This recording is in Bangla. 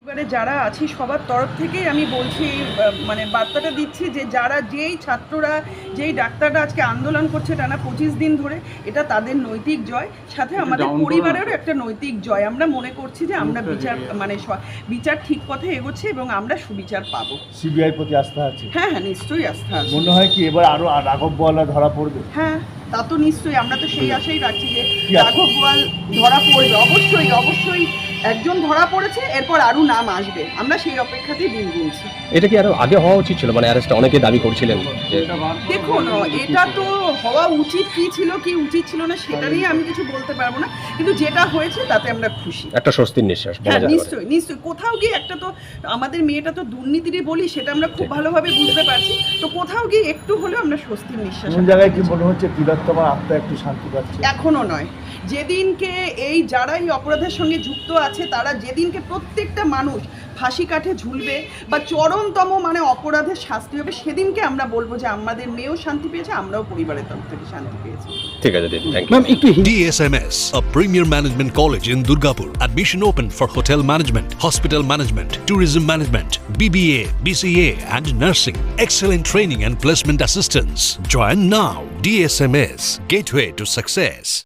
এবারে যারা আছি সবার তরফ থেকেই আমি বলছি, মানে বার্তাটা দিচ্ছি যে যারা যেই ছাত্ররা যেই ডাক্তাররা আজকে আন্দোলন করছে টানা 25 দিন ধরে, এটা তাদের নৈতিক জয়, সাথে আমাদের পরিবারেরও একটা নৈতিক জয়। আমরা মনে করছি যে আমরা বিচার ঠিক পথে এগোচ্ছে এবং আমরা সুবিচার পাবো। সিবিআই প্রতি আস্থা আছে? হ্যাঁ হ্যাঁ, নিশ্চয়ই আস্থা আছে। মনে হয় কি এবার আরো রাঘব বোয়ালরা ধরা পড়বে? হ্যাঁ, তা তো নিশ্চয়ই, আমরা তো সেই আশাই রাখছি যে রাঘব বোয়াল ধরা পড়বে। অবশ্যই অবশ্যই একজন ধরা পড়েছে, এরপর আরও নাম আসবে, আমরা সেই অপেক্ষাতেই দিন গুনছি। এটা কি আরো আগে হওয়া উচিত ছিল? মানে অ্যারেস্টটা অনেকে দাবি করছিলেন যে দেখুন, এটা তো হওয়া উচিত কি ছিল কি উচিত ছিল না সেটা নিয়ে আমি কিছু বলতে পারবো না, কিন্তু যেটা হয়েছে তাতে আমরা খুশি। একটা স্বস্তির নিঃশ্বাস বলা হ্যাঁ, যায়। নিশ্চয়ই নিশ্চয়ই। কোথাও গিয়ে একটা তো আমাদের মেয়েটা তো দুর্নীতিরই বলি, সেটা আমরা খুব ভালোভাবে বুঝতে পারছি, তো কোথাও গিয়ে একটু হলেও আমরা স্বস্তির নিঃশ্বাস। কোন জায়গায় কি মনে হচ্ছে তিলোত্তমার আত্মা একটু শান্তি পাচ্ছে? এখনো নয়, যেদিনকে এই যারা এই অপরাধের সঙ্গে যুক্ত আছে তারা যেদিনকে প্রত্যেকটা মানুষ ফাঁসি কাঠে ঝুলবে বা চরমতম মানে অপরাধের শাস্তি হবে, সেদিনকে আমরা বলবো যে আমাদের মেয়েও শান্তি পেয়েছে, আমরাও পরিবারের তরফ থেকে শান্তি পেয়েছি। ঠিক আছে দিদি, থ্যাংক ইউ। Ma'am, একটু DSMS, a premier management college in Durgapur. Admission open for hotel management, hospital management, tourism management, BBA, BCA and nursing. Excellent training and placement assistance. Join now. DSMS, gateway to success.